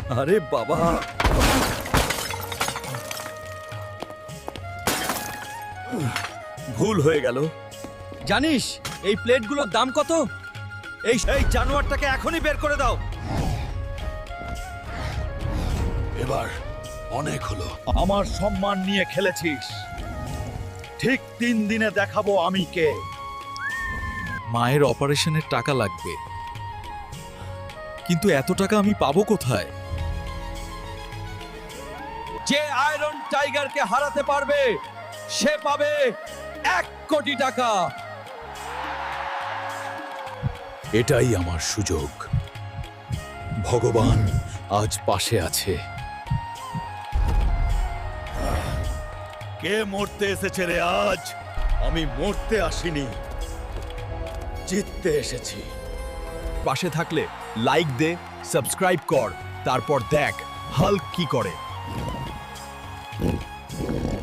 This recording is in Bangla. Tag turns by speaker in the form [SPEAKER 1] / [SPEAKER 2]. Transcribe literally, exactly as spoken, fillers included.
[SPEAKER 1] আরে বাবা, ভুল হয়ে গেল। জানিস এই প্লেটগুলোর দাম কত? এই এই জানোয়ারটাকে এখনই বের করে দাও।
[SPEAKER 2] এবার অনেক হলো।
[SPEAKER 3] আমার সম্মান নিয়ে খেলেছিস, ঠিক তিন দিনে দেখাবো আমি কে।
[SPEAKER 1] মায়ের অপারেশনের টাকা লাগবে, কিন্তু এত টাকা আমি পাবো কোথায়? যে আয়রন টাইগারকে হারাতে পারবে সে পাবে এক কোটি টাকা।
[SPEAKER 2] এটাই আমার সুযোগ। ভগবান আজ পাশে আছে।
[SPEAKER 3] কে মরতে এসেছে রে আজ? আমি মরতে আসিনি, জিততে এসেছি।
[SPEAKER 1] পাশে থাকলে লাইক দে, সাবস্ক্রাইব কর, তারপর দেখ হাল্ক কি করে।